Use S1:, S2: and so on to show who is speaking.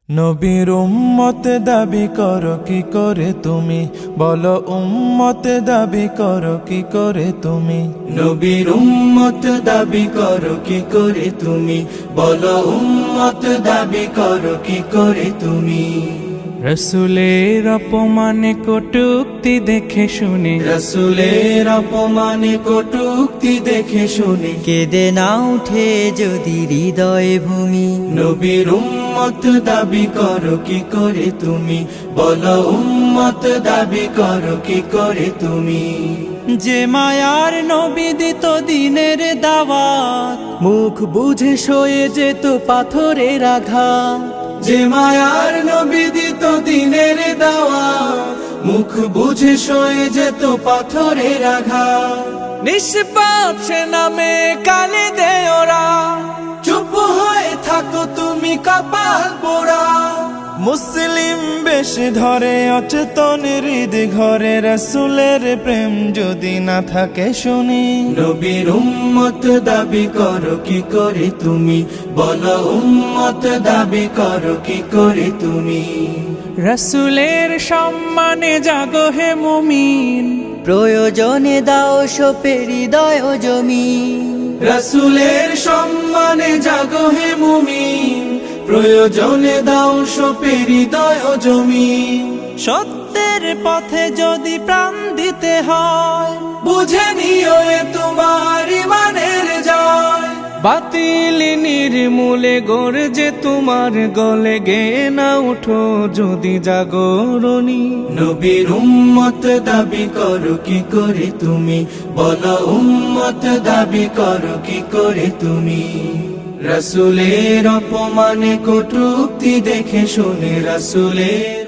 S1: নবীর উম্মত দাবি করো কি করে তুমি, বলো উম্মত দাবি করো কি করে তুমি।
S2: নবীর উম্মত দাবি করো কি করে তুমি, বলো উম্মত দাবি করো কি করে তুমি।
S1: রসুলের অপমানে কটূক্তি দেখে শুনে,
S2: রসুলের অপমানে কটূক্তি দেখে শুনে
S3: কেঁদে না উঠে যদি হৃদয় ভূমি।
S2: নবীর উম্মত দাবি করো কি করে তুমি, বলো উম্মত দাবি করো কি করে তুমি।
S1: যে মায়ার নবী দিত দিনের দাওয়াত,
S3: মুখ বুঝে সয়ে যেত পাথরের আঘাত।
S2: যে মায়ার নবী দিত দিনের দাওয়াত, মুখ বুঝে সয়ে যেত পাথরের আঘাত।
S1: নিষ্পাপ সে নামে কালে দে ওরা,
S2: চুপ হয়ে থাকো তুমি কপাল পোড়া।
S1: মুসলিম বেশ ধরে অচেতন হৃদ ঘরে, রসুলের প্রেম যদি না থাকে শুনি।
S2: নবীর উম্মত দাবি করো কি করে তুমি, বলো উম্মত দাবি করো কি করে তুমি।
S1: রসুলের সম্মানে জাগো হে মুমিন,
S3: প্রয়োজনে দাও সোপে হৃদয় জমিন।
S2: রসুলের সম্মানে জাগো হে মুমিন, প্রয়োজনে দাও সোপে হৃদয় জমিন।
S1: সত্যের পথে যদি প্রাণ দিতে হয়,
S2: বুঝে নিও এ তোমার ইমানের জয়।
S1: বাতিল নির্মূলে গর্জে তোমার গলে, গে না উঠো যদি জাগরণী।
S2: নবীর উম্মত দাবি করো কি করে তুমি, বলো উম্মত দাবি করো কি করে তুমি। রসুলের অপমানে কটূক্তি দেখে শুনে, রসুলের